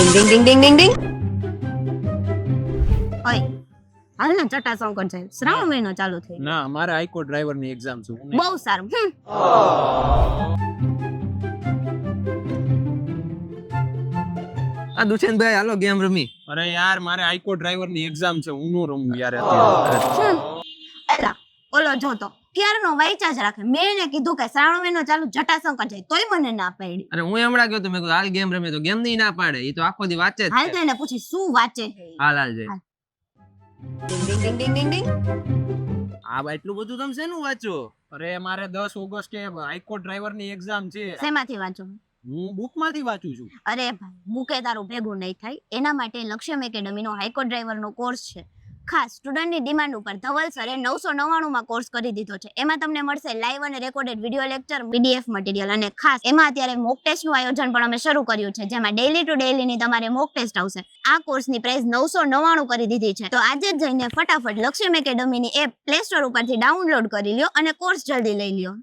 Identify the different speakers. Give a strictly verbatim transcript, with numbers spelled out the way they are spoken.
Speaker 1: ડિંગ ડિંગ ડિંગ ડિંગ ડિંગ. ઓય હાલ ને ચટાસંકર છે, શ્રાવણ મહિનો ચાલુ થઈ ગયો.
Speaker 2: ના મારે હાઈકોર્ટ ડ્રાઈવર ની એક્ઝામ છે. હું નહીં.
Speaker 1: બહુ સારું. હમ.
Speaker 3: આ દુષ્યંતભાઈ હાલો ગેમ રમી.
Speaker 2: અરે યાર મારે હાઈકોર્ટ ડ્રાઈવર ની એક્ઝામ છે. હું નો રમું યાર અત્યારે.
Speaker 1: હમ. એલા, ઓલો જોતો ક્યારનો વાંચ્યા જ રાખે. મેં એને કીધું કે શ્રાવણ મહિનો ચાલુ જટાશંકર જાય તોય મને ના પાડી.
Speaker 3: અરે હું હમણાં ગયો તો મેં કીધું હાલ ગેમ રમી તો ગેમ ની ના પાડે. એ તો આખો દી વાંચે જ
Speaker 1: હાલ
Speaker 3: છે.
Speaker 1: તો એને પૂછી શું વાંચે છે.
Speaker 3: હાલ હાલ જાય.
Speaker 1: ડિંગ ડિંગ ડિંગ ડિંગ ડિંગ ડિંગ.
Speaker 3: આ બા એટલું બધું તમે શેનું વાંચો?
Speaker 2: અરે મારે દસ ઓગસ્ટે હાઈકોર્ટ ડ્રાઈવર ની એક્ઝામ છે.
Speaker 1: શેમાંથી વાંચો?
Speaker 2: હું બુક માંથી વાંચું છું.
Speaker 1: અરે ભાઈ મૂકે તારું ભેગું નહીં થાય. એના માટે લક્ષ્યમ એકેડમીનો હાઈકોર્ટ ડ્રાઈવરનો કોર્સ છે. ખાસ સ્ટુડન્ટની ડિમાન્ડ ઉપર ધવલ સરે નવસો નવ્વાણું માં કોર્સ કરી દીધો છે. એમાં તમને મળશે લાઈવ અને recorded video lecture, PDF material અને ખાસ એમાં અત્યારે મોક ટેસ્ટનું આયોજન પણ અમે શરૂ કર્યું છે, જેમાં ડેઈલી ટુ ડેઈલીની તમારે મોક ટેસ્ટ આવશે. આ કોર્સની પ્રાઇસ નવસો નવ્વાણું કરી દીધી છે. તો આજે જ જઈને ફટાફટ લક્ષ્યમ એકેડમીની એપ પ્લે સ્ટોર ઉપરથી ડાઉનલોડ કરી લ્યો અને કોર્સ જલ્દી લઈ લ્યો.